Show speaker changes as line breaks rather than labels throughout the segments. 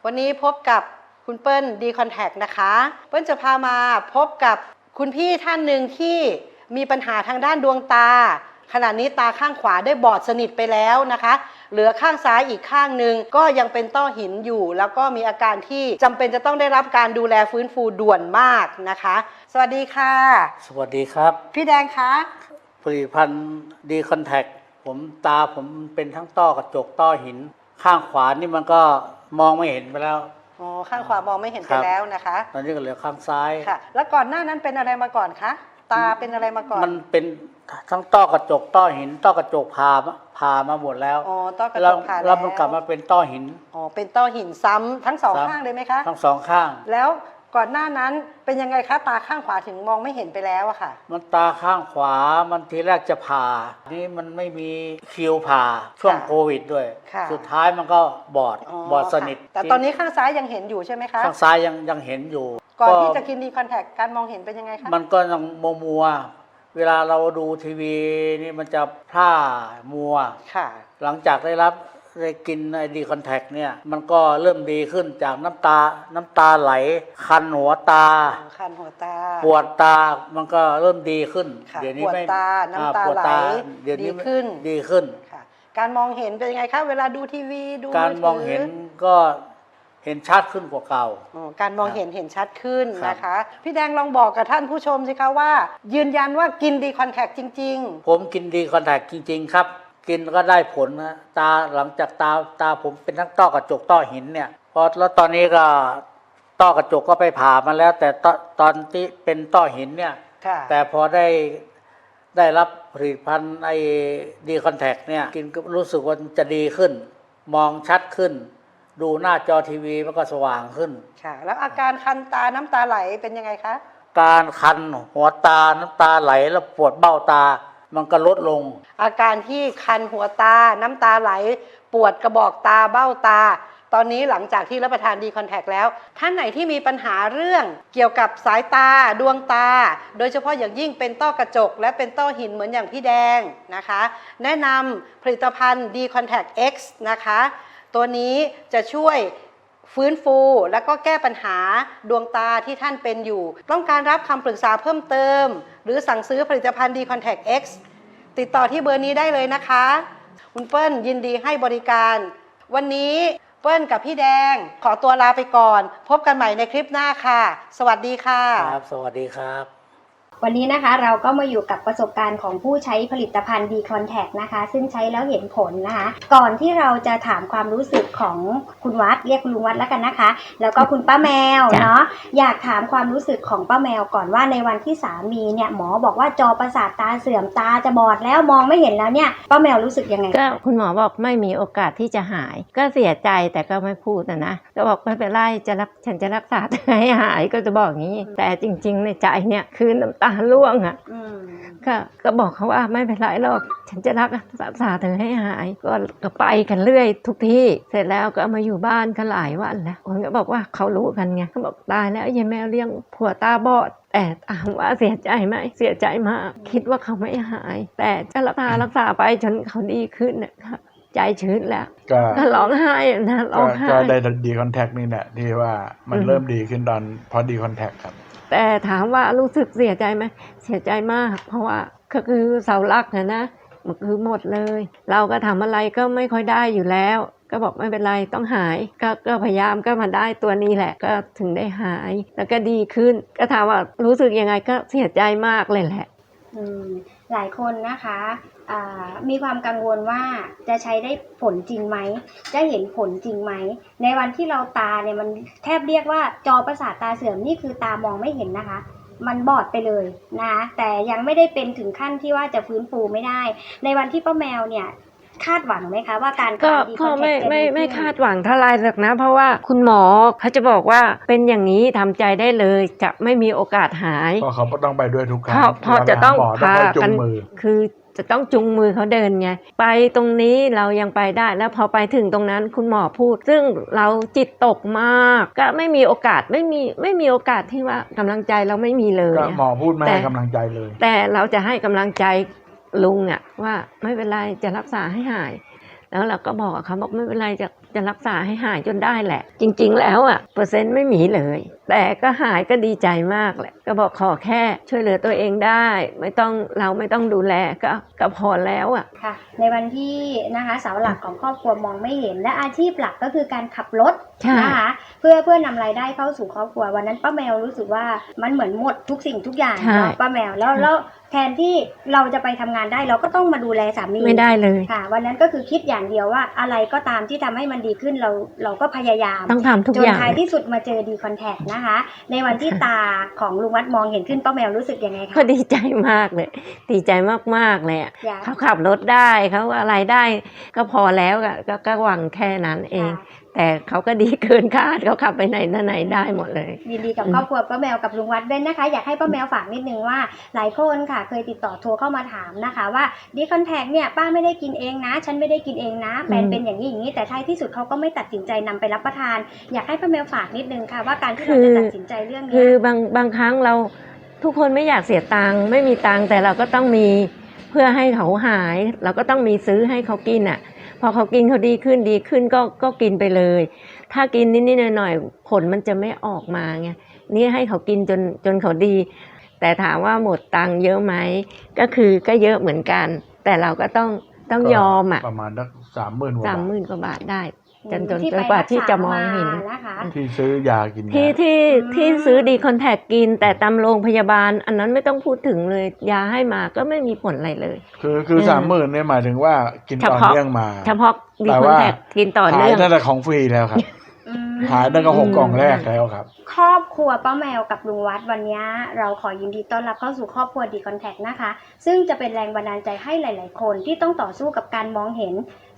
วันนี้พบกับคุณเปิ้ลดีคอนแทคนะคะเปิ้ลจะพามาพบกับคุณพี่ท่านหนึ่งที่มีปัญหาทางด้านดวงตาขณะนี้ตาข้างขวาได้บอดสนิทไปแล้วนะคะเหลือข้างซ้ายอีกข้างหนึ่งก็ยังเป็นต้อหินอยู่แล้วก็มีอาการที่จำเป็นจะต้องได้รับการดูแลฟื้นฟูด่วนมากนะคะสวัสดีค่ะ
สวัสดีครับ
พี่แดงคะ
ผลิตภัณฑ์ดีคอนแทคผมเป็นทั้งต้อกระจกต้อหินข้างขวานี่มันก็มองไม่เห็นไปแล้ว
อ๋อข้างขวามองไม่เห็นไปแล้วนะคะ
ตอนนี้ก็เหลือข้างซ้าย
ค่ะแล้วก่อนหน้านั้นเป็นอะไรมาก่อนคะตาเป็นอะไรมาก่อน
มันเป็นทั้งต้อกระจกต้อหินต้อกระจกผ่ามาหมดแล้ว
อ๋อต้อกระจกผ่า
แล้วมันกลับมาเป็นต้อหิน
อ๋อเป็นต้อหินซ้ำทั้งสองข้างเลยไหมคะ
ทั้งสองข้าง
แล้วก่อนหน้านั้นเป็นยังไงคะตาข้างขวาถึงมองไม่เห็นไปแล้วอะค่ะ
มันตาข้างขวามันทีแรกจะผ่านี่มันไม่มีคิวผ่าช่วงโควิดด้วยสุดท้ายมันก็บอดสนิท
แต่ตอนนี้ข้างซ้ายยังเห็นอยู่ใช่ไหมคะ
ข้างซ้ายยังเห็นอยู่
ก่อนที่จะกินดีคอนแทคการมองเห็นเป็นยังไงคะ
มันก็ยังมัวเวลาเราดูทีวีนี่มันจะพร่ามัวหลังจากได้กินไอดีคอนแทคเนี่ยมันก็เริ่มดีขึ้นจากน้ำตาไหลคันหัวตาปวดตามันก็เริ่มดีขึ้น
เดี๋ยวนี้ไม่ปวดตาน้ำตาไหลดี
ขึ้น
การมองเห็นเป็นยังไงคะเวลาดูทีวีดู
การมองเห็นก็เห็นชัดขึ้นกว่าเก่า
การมองเห็นชัดขึ้นนะคะพี่แดงลองบอกกับท่านผู้ชมสิคะว่ายืนยันว่ากินดีคอนแทคจริง
ๆผมกินดีคอนแทคจริงๆครับกินก็ได้ผลนะหลังจากตาผมเป็นทั้งต้อกระจกต้อหินเนี่ยแล้วตอนนี้ก็ต้อกระจกก็ไปผ่ามาแล้วแต่ตอนที่เป็นต้อหินเนี่ยแต่พอได้รับผลิตภัณฑ์ไอ้ดีคอนแทคเนี่ยกินก็รู้สึกว่าจะดีขึ้นมองชัดขึ้นดูหน้าจอทีวีมันก็สว่างขึ้น
ค่ะแล้วอาการคันตาน้ำตาไหลเป็นยังไงคะ
การคันหัวตาน้ำตาไหลแล้วปวดเบ้าตามันก็ลดลง
อาการที่คันหัวตาน้ำตาไหลปวดกระบอกตาเบ้าตาตอนนี้หลังจากที่รับประทานดีคอนแทคแล้วท่านไหนที่มีปัญหาเรื่องเกี่ยวกับสายตาดวงตาโดยเฉพาะอย่างยิ่งเป็นต้อกระจกและเป็นต้อหินเหมือนอย่างพี่แดงนะคะแนะนำผลิตภัณฑ์ดีคอนแทค X นะคะตัวนี้จะช่วยฟื้นฟูและก็แก้ปัญหาดวงตาที่ท่านเป็นอยู่ต้องการรับคำปรึกษาเพิ่มเติมหรือสั่งซื้อผลิตภัณฑ์ดีคอนแทค X ติดต่อที่เบอร์นี้ได้เลยนะคะคุณเปิ้ลยินดีให้บริการวันนี้เปิ้ลกับพี่แดงขอตัวลาไปก่อนพบกันใหม่ในคลิปหน้าค่ะสวัสดีค่ะ
ครับสวัสดีครับ
วันนี้นะคะเราก็มาอยู่กับประสบการณ์ของผู้ใช้ผลิตภัณฑ์ดีคอนแทคนะคะซึ่งใช้แล้วเห็นผลนะคะก่อนที่เราจะถามความรู้สึกของคุณวัดเรียกคุณลุงวัดแล้วกันนะคะแล้วก็คุณป้าแมวเนาะอยากถามความรู้สึกของป้าแมวก่อนว่าในวันที่สามีเนี่ยหมอบอกว่าจอประสาทตาเสื่อมตาจะบอดแล้วมองไม่เห็นแล้วเนี่ยป้าแมวรู้สึกยังไง
ก็คุณหมอบอกไม่มีโอกาสที่จะหายก็เสียใจแต่ก็ไม่พูดนะก็บอกไม่เป็นไรฉันจะรักษาให้หายก็จะบอกอย่างนี้แต่จริงๆในใจเนี่ยคือน้ำตาร่วงก็บอกเขาว่าไม่เป็นไรหรอกฉันจะรักษาเธอให้หายก็ไปกันเรื่อยทุกที่เสร็จแล้วก็มาอยู่บ้านกันหลายวันแล้วคนก็บอกว่าเขารู้กันไงเขาบอกตายแล้วยายแมวเลี้ยงผัวตาบอดแต่ถามว่าเสียใจไหมเสียใจมากคิดว่าเขาไม่หายแต่จะรักษาไปจนเขาดีขึ้นนะคะใจชื้นแล้วก็ร้องไห้นะร้องไห้
ก็ได้ดีคอนแทคนี่แหละที่ว่ามันเริ่มดีขึ้นตอนพอดีคอนแทคครับ
แต่ถามว่ารู้สึกเสียใจไหมเสียใจมากเพราะว่าก็คือเสาหลักนะมันคือหมดเลยเราก็ทำอะไรก็ไม่ค่อยได้อยู่แล้วก็บอกไม่เป็นไรต้องหายก็พยายามก็มาได้ตัวนี้แหละก็ถึงได้หายแล้วก็ดีขึ้นก็ถามว่ารู้สึกยังไงก็เสียใจมากเลยแหละ
หลายคนนะคะมีความกังวลว่าจะใช้ได้ผลจริงไหมจะเห็นผลจริงไหมในวันที่เราตาเนี่ยมันแทบเรียกว่าจอประสาทตาเสื่อมนี่คือตามองไม่เห็นนะคะมันบอดไปเลยนะคะแต่ยังไม่ได้เป็นถึงขั้นที่ว่าจะฟื้นฟูไม่ได้ในวันที่ป้าแมวเนี่ยคาดหวังไหมคะว่าการ
ก็ไม่คาดหวังเท่าไรหรอกนะเพราะว่าคุณหมอเขาจะบอกว่าเป็นอย่างนี้ทำใจได้เลยจะไม่มีโอกาสหาย
เพราะเขาต้องไปด้วยทุกครั้ง
พอจะต้องพากันคือจะต้องจุงมือเขาเดินไงไปตรงนี้เรายังไปได้แล้วพอไปถึงตรงนั้นคุณหมอพูดซึ่งเราจิตตกมากก็ไม่มีโอกาสไม่มีโอกาสที่ว่ากำลังใจเราไม่มีเลย
หมอพูดไม่ให้กำลังใจเลย
แต่เราจะให้กำลังใจลุงว่าไม่เป็นไรจะรักษาให้หายแล้วเราก็บอกเขาบอกไม่เป็นไรจะจะรักษาให้หายจนได้แหละ จริงๆแล้วอ่ะเปอร์เซ็นต์ไม่มีเลย แต่ก็หายก็ดีใจมากแหละก็บอกขอแค่ช่วยเหลือตัวเองได้เราไม่ต้องดูแลก็พอแล้วอ่ะ
ค่ะในวันที่นะคะเสาหลักของครอบครัวมองไม่เห็นและอาชีพหลักก็คือการขับรถ
ใช่
นะคะเพื่อนำรายได้เข้าสู่ครอบครัววันนั้นป้าแมวรู้สึกว่ามันเหมือนหมดทุกสิ่งทุกอย่าง
ใช่
เนาะป้าแมวแล้วแทนที่เราจะไปทำงานได้เราก็ต้องมาดูแลสามี
ไม่ได้เลย
ค่ะ วันนั้นก็คือคิดอย่างเดียวว่าอะไรก็ตามที่ทำให้มันดีขึ้นเราก็พยายาม
ต้องทำทุก
จ
อน ย่าง
ท้ายที่สุดมาเจอดีคอนแทคนะคะ ในวันที่ตาของลุงวัดมองเห็นขึ้นป้าแมวรู้สึกยังไงคะ
ก็ดีใจมากเลย ดีใจมากๆเลยอะ
อยาก
เขาขับรถได้เขาอะไรได้ก็พอแล้วอะก็หวังแค่นั้นเอง
ค่ะ
แต่เขาก็ดีเกินคาดเขาขับไปไหนมาไหนได้หมดเลย
ยินดีกับครอบครัวป้าแมวกับลุงวัดด้วยนะคะ อยากให้ป้าแมวฝากนิดนึงว่าหลายคนค่ะเคยติดต่อโทรเข้ามาถามนะคะว่าดีคอนแทคเนี่ยป้าไม่ได้กินเองนะ ฉันไม่ได้กินเองนะเป็นอย่างนี้อย่างนี้แต่ท้ายที่สุดเขาก็ไม่ตัดสินใจนำไปรับประทาน อยากให้ป้าแมวฝากนิดนึงค่ะว่าการที่เราจะตัดสินใจเรื่อง
คื
นี้
อบางครั้งเราทุกคนไม่อยากเสียตังค์ไม่มีตังค์แต่เราก็ต้องมีเพื่อให้เขาหาย เราก็ต้องมีซื้อให้เขากินอ่ะ พอเขากินเขาดีขึ้นก็กินไปเลย ถ้ากินนิดๆหน่อยๆผลมันจะไม่ออกมาไงนี่ให้เขากินจนเขาดี แต่ถามว่าหมดตังค์เยอะไหมก็เยอะเหมือนกัน แต่เราก็ต้องยอมอ่ะ
ประมาณสัก30,000 กว่าบาท
30,000 กว่าบาทได้จน
ที่
กว่าที่จะมองเห็น
ไปรักษามานะคะ
ที่ซื้อยากิน
ที่ซื้อดีคอนแทคกินแต่ตามโรงพยาบาลอันนั้นไม่ต้องพูดถึงเลยยาให้มาก็ไม่มีผลอะไรเลย
คือ30,000เนี่ยหมายถึงว่ากินต่อเนื่องมา
เฉพาะดี
แต่
คอน
ว่า
แทคกินต่อ
หา
เนื่
ย
อง
ตั้งแต่ของฟรีแล้วครับ
อืม
หายตั้งแต่6 กล่องแรกแล้วครับ
ครอบครัวป้าแมวกับลุงวัดวันนี้เราขอยินดีต้อนรับเข้าสู่ครอบครัวดีคอนแทคนะคะ ซึ่งจะเป็นแรงบันดาลใจให้หลาย ๆ คนที่ต้องต่อสู้กับการมองเห็น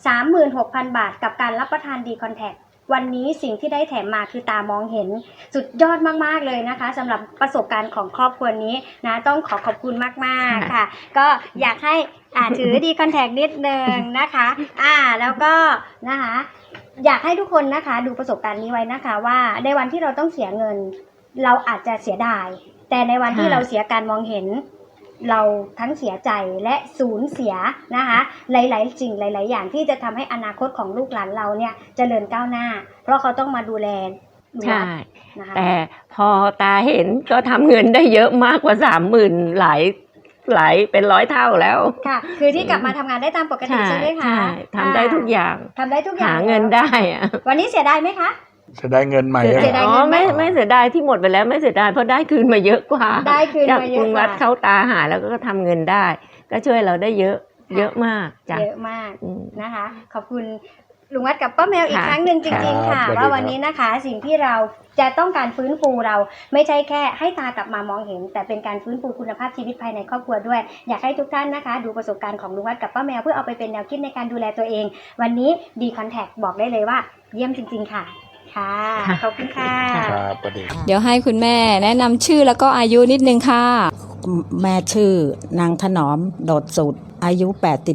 36,000 บาทกับการรับประทานดีคอนแทควันนี้สิ่งที่ได้แถมมาคือตามองเห็นสุดยอดมาก ๆ เลยนะคะสำหรับประสบการณ์ของครอบครัวนี้นะต้องขอบคุณมาก ๆ ค่ะ ก็อยากให้ถือดีคอนแทคนิดนึงนะคะแล้วก็นะคะ อยากให้ทุกคนนะคะดูประสบการณ์นี้ไว้นะคะว่าในวันที่เราต้องเสียเงิน เราอาจจะเสียดาย แต่ในวันที่เราเสียการมองเห็น เราทั้งเสียใจและสูญเสียนะคะหลายๆสิ่งหลาย ๆ อย่างที่จะทำให้อนาคตของลูกหลานเราเนี่ยเจริญก้าวหน้า เพราะเขาต้องมาดูแลลูกห
ใช่
ลานนะคะ
แต่พอตาเห็นก็ทำเงินได้เยอะมากกว่า 30,000หลายเป็น100 เท่าแล้ว
ค่ะ คือที่กลับมาทำงานได้ตามปกติใช่ไหมคะ
ใช่ทำได้ทุกอย่าง
ทำได้ทุกอย่าง
หาเงินได้อะ
วันนี้เสียดายไหมคะ
จะได้เงินใหม่
เสียดาย
อ๋อไม่เสียดายที่หมดไปแล้วไม่เสียดายเพราะได้คืนมาเยอะกว่า
ได้คืน
จาก
มาเย
กรุ
อะ
ง
ก
วั
ว่า
ดเข้าตาหายแล้วก็ทำเงินได้ ก็ช่วยเราได้เยอะมากจ้ะ
เยอะมาก
อืม
นะคะ ขอบคุณลุงวัดกับป้าแมวอีก
ค่ะ
ครั้งหนึ่งจริงๆ ค่ะ
ครับ
ว่าวันนี้นะคะสิ่งที่เราจะต้องการฟื้นฟูเราไม่ใช่แค่ให้ตากลับมามองเห็น แต่เป็นการฟื้นฟูคุณภาพชีวิตภายในครอบครัวด้วย อยากให้ทุกท่านนะคะ ดูประสบการณ์ของลุงวัดกับป้าแมวเพื่อเอาไปเป็นแนวคิดในการดูแลตัวเอง วันนี้ดีคอนแทคบอกได้เลยว่า เยี่ยมจริง ๆ ค่ะ ค่ะ ขอบคุณค่ะ
ครับประเด็น
เดี๋ยวให้คุณแม่แนะนำชื่อแล้วก็อายุนิดนึงค่ะ
แม่ชื่อนางถนอมโดดสุดอายุ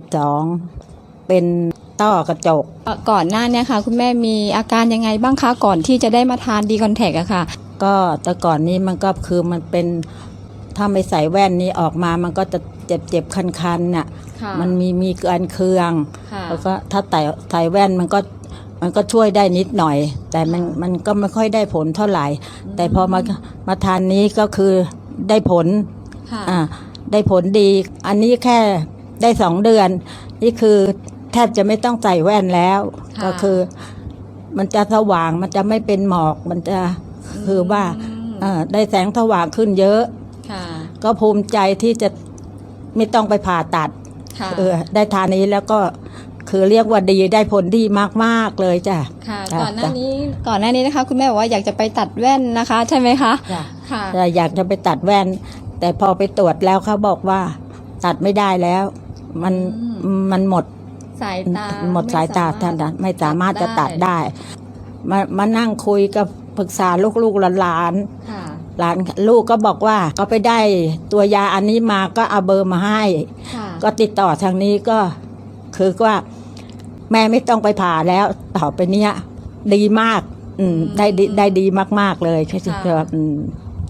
82เป็นต้อกระจก
ก่อนหน้าเนี้ค่ะ คุณแม่มีอาการยังไงบ้างคะก่อนที่จะได้มาทานดีคอนแทคอะค่ะ
ก็แต่ก่อนนี้มันก็คือมันเป็นถ้าไม่ใส่แว่นนี้ออกมามันก็จะเจ็บคันๆน่ะ
ค่ะ
มันมีการเคือง
ค่ะ
แล้วก็ถ้าใส่แว่นมันก็ช่วยได้นิดหน่อย แต่มันก็ไม่ค่อยได้ผลเท่าไหร่ แต่พอมาทานนี้ก็คือได้ผล
ค่ะ
ได้ผลดี อันนี้แค่ได้2 เดือน นี่คือแทบจะไม่ต้องใส่แว่นแล้ว
ค่ะ
ก็คือ มันจะสว่างมันจะไม่เป็นหมอกมันจะคือว่าได้แสงสว่างขึ้นเยอะ
ค่ะ
ก็ภูมิใจที่จะไม่ต้องไปผ่าตัด
ค่ะ
ได้ทานนี้แล้วก็คือเรียกว่าดีได้ผลดีมากๆเลยจ้ะ
ค่ะ
จ้ะ
ก่อนหน้านี้นะคะ คุณแม่บอกว่าอยากจะไปตัดแว่นนะคะ ใช่ไหมคะ
จ้ะ
ค่ะ
แต่อยากจะไปตัดแว่น แต่พอไปตรวจแล้วเขาบอกว่า ตัดไม่ได้แล้ว มันหมด
สายตา
หมดสายตาท่านไม่สามารถจะตัดได้ มานั่งคุยกับปรึกษาลูกๆหลาน
ค่ะ
หลานลูกก็บอกว่าก็ไปได้ตัวยาอันนี้มาก็เอาเบอร์มาให้
ค่ะ
ก็ติดต่อทางนี้ก็คือว่า แม่ไม่ต้องไปผ่าแล้ว ต่อไปเนี้ยดีมากได้ดีมากๆเลยใช่ไหมครับ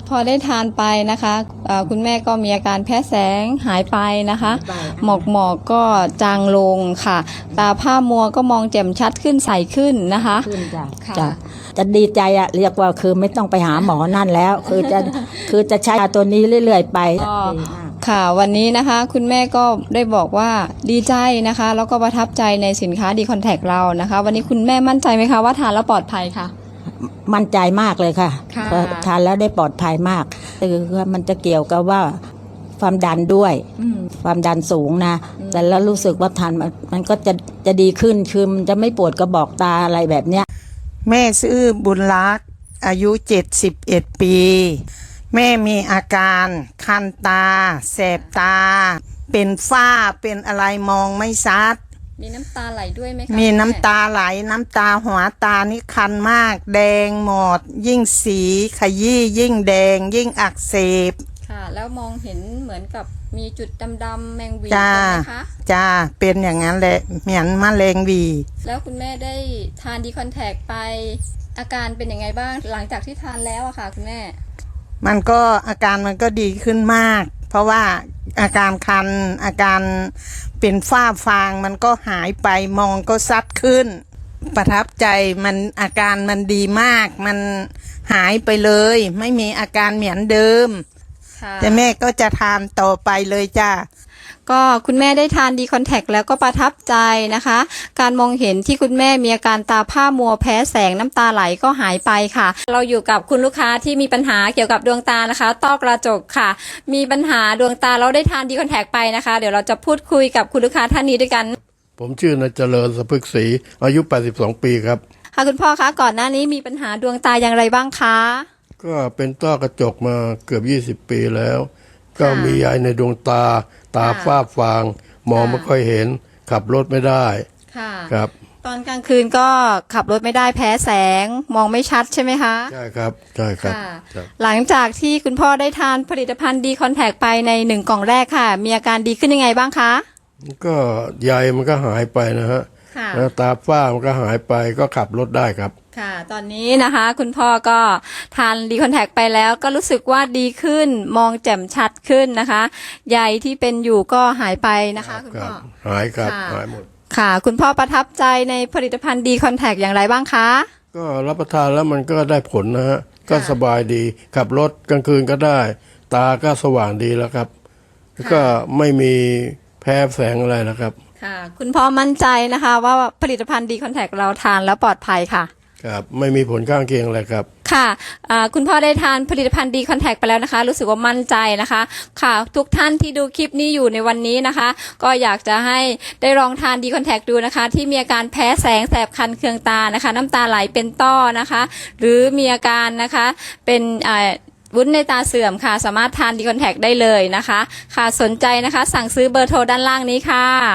พอได้ทานไปนะคะคุณแม่ก็มีอาการแพ้แสงหายไปนะคะหมอกก็จางลงค่ะ ตาผ้ามัวก็มองแจ่มชัดขึ้นใสขึ้นนะคะ
ขึ้นจ้ะ
ค่ะ
จ้ะจะดีใจอะเรียกว่าคือไม่ต้องไปหาหมอนั่นแล้ว คือจะใช้ยาตัวนี้เรื่อยๆไป
ก็
ดีมาก
ค่ะวันนี้นะคะคุณแม่ก็ได้บอกว่าดีใจนะคะแล้วก็ประทับใจในสินค้าดีคอนแทคเรานะคะ วันนี้คุณแม่มั่นใจไหมคะว่าทานแล้วปลอดภัยค่ะ
มั่นใจมากเลยค่ะ
ค่ะ
เพราะทานแล้วได้ปลอดภัยมากคือว่ามันจะเกี่ยวกับว่าความดันด้วย ความดันสูงนะแต่แล้วรู้สึกว่าทานมันก็จะดีขึ้นคือมันจะไม่ปวดกระบอกตาอะไรแบบเนี้ย
แม่ชื่อบุญรักษ์อายุ 71 ปี แม่มีอาการคันตา แสบตา เป็นฝ้าเป็นอะไรมองไม่ชัด
มีน้ำตาไหลด้วยไหมคะ
มี
คุณแ
น้ำตาไหลน้ำตาหัวตานี่คันมาก แดงหมด ยิ่งสีขยี้ยิ่งแดง ยิ่งอักเสบ
ค่ะแล้วมองเห็นเหมือนกับมีจุดดำๆแมงวี
จ้า
ใช่ไหมคะ
จ้าเป็นอย่างนั้นแหละเหมือนมะเร็งหวี
แล้วคุณแม่ได้ทานดีคอนแทคไป อาการเป็นยังไงบ้างหลังจากที่ทานแล้วอะค่ะคุณแม่
มันก็อาการมันก็ดีขึ้นมาก เพราะว่าอาการคันอาการเป็นฝ้าฟางมันก็หายไปมองก็ซัดขึ้น ประทับใจมันอาการมันดีมาก มันหายไปเลย ไม่มีอาการเหมือนเดิม
ค่ะ
แต่แม่ก็จะทานต่อไปเลยจ้า
ก็คุณแม่ได้ทานดีคอนแทคแล้วก็ประทับใจนะคะ การมองเห็นที่คุณแม่มีอาการตาผ้ามัวแพ้แสงน้ำตาไหลก็หายไปค่ะ เราอยู่กับคุณลูกค้าที่มีปัญหาเกี่ยวกับดวงตานะคะ ต้อกระจกค่ะ มีปัญหาดวงตาเราได้ทานดีคอนแทคไปนะคะ เดี๋ยวเราจะพูดคุยกับคุณลูกค้าท่านนี้ด้วยกัน
ผมชื่อนายเจริญสะพึกศรีอายุ 82 ปีครับ
ค่ะคุณพ่อคะก่อนหน้านี้มีปัญหาดวงตาอย่างไรบ้างคะ
ก็เป็นต้อกระจกมาเกือบ 20 ปีแล้ว ก็มียายในดวงตา ตาฝ้าฟาง มองไม่ค่อยเห็น ขับรถไม่ได้
ค่ะ
ครับ
ตอนกลางคืนก็ขับรถไม่ได้แพ้แสงมองไม่ชัดใช่ไหมคะ
ใช่ครับ ใช่ครับ
ค่ะ
ครับ
หลังจากที่คุณพ่อได้ทานผลิตภัณฑ์ดีคอนแทคไปใน1 กล่องแรกค่ะ มีอาการดีขึ้นยังไงบ้างคะ
ก็ใยมันก็หายไปนะฮะ
ค่ะ
แล้วตาฝ้ามันก็หายไปก็ขับรถได้ครับ
ค่ะ ตอนนี้นะคะ คุณพ่อก็ทานดีคอนแทคไปแล้วก็รู้สึกว่าดีขึ้นมองแจ่มชัดขึ้นนะคะใยที่เป็นอยู่ก็หายไปนะคะคุณ
ค
พ่
รั
อ
บ หายครับ
ค่ะ
หายหมด
ค่ะ คุณพ่อประทับใจในผลิตภัณฑ์ดีคอนแทคอย่างไรบ้างคะ
ก็รับประทานแล้วมันก็ได้ผลนะฮะ ก็
ค่ะ
สบายดี ขับรถกลางคืนก็ได้ ตาก็สว่างดีแล้วครับ แล้วก็ไม่มีแพ้แสงอะไรนะครับ
ค่ะ คุณพ่อมั่นใจนะคะว่าผลิตภัณฑ์ดีคอนแทคเราทานแล้วปลอดภัยค่ะ
ครับ ไม่มีผลข้างเคียงอะไรครับ
ค่ะคุณพ่อได้ทานผลิตภัณฑ์ดีคอนแทคไปแล้วนะคะ รู้สึกว่ามั่นใจนะคะ ค่ะ ทุกท่านที่ดูคลิปนี้อยู่ในวันนี้นะคะ ก็อยากจะให้ได้ลองทานดีคอนแทคดูนะคะ ที่มีอาการแพ้แสงแสบคันเคืองตานะคะ น้ำตาไหลเป็นต้อนะคะ หรือมีอาการนะคะเป็นวุ้นในตาเสื่อมค่ะ สามารถทานดีคอนแทคได้เลยนะคะ ค่ะสนใจนะคะ สั่งซื้อเบอร์โทรด้านล่างนี้ค่ะ